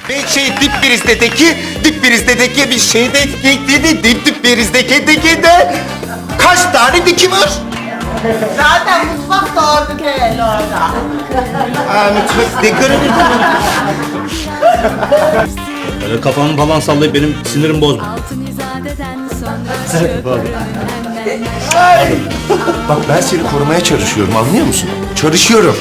Ben dip birizdeki bir şeyde dip birizdeki de kaç tane diki var? Zaten mutfak da orada orada. Aa, mutfak ne göremedim. Öyle kafamı falan sallayıp benim sinirimi bozma. Bak ben seni korumaya çalışıyorum, anlıyor musun? Çalışıyorum.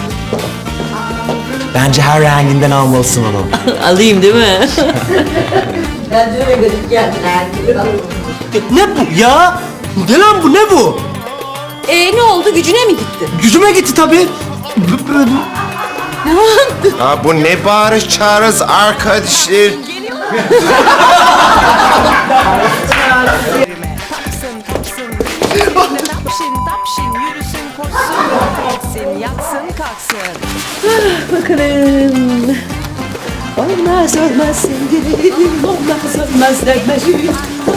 Bence her renginden almalısın onu. Alayım değil mi? Ben de öyle gıdık geldiler. Ne bu ya? Ne lan bu, ne bu? Ne oldu? Gücüne mi gitti? Gücüme gitti tabii. Ya bu ne bağırış çağırış arkadaşlar? Tapşin yürüsün koşsun, etsin yatsın kalksın. Bakalım. Olmaz olmaz sevgilim, olmaz olmaz sevmeciğim.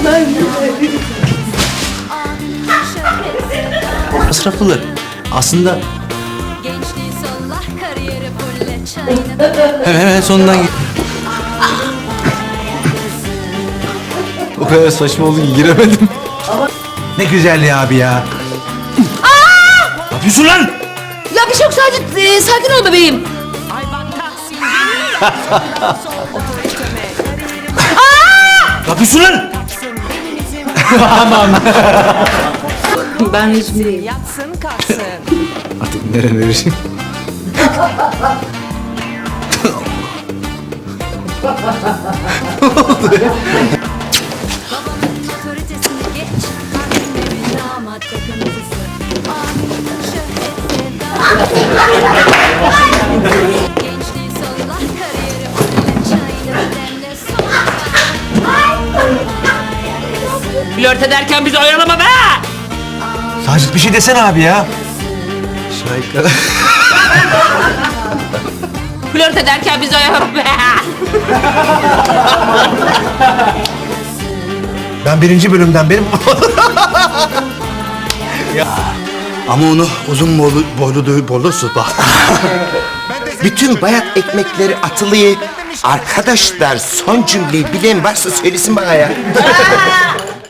Masraflı. Aslında Gençliği sollah kariyeri fulle çayını hemen sonundan git. O kadar saçma oldu ki giremedim. Ne güzel ya abi ya. Ne yapıyorsun lan? Ya bir şey yok, sadece sakin ol bebeğim. Ay bak Tahsin geliyor. Sol otoriteme kariyeri Ne yapıyorsun lan? yapsın feminizm Ben İzmir'im. yatsın kalksın. Artık nereye? Otoritesini geç, annemin damat takıntısı. Anında şöhret sevda. Gençliği sollah kariyeri fulle çayını demle Flört ederken bizi oyalama be! Sacit bir şey desene abi ya. Şahika. Flört ederken bizi oyalama be! Ben birinci bölümden benim... Ama onu uzun boylu bak. Bütün bayat ekmekleri atılıyı. Arkadaşlar son cümleyi bilen varsa söylesin bana ya.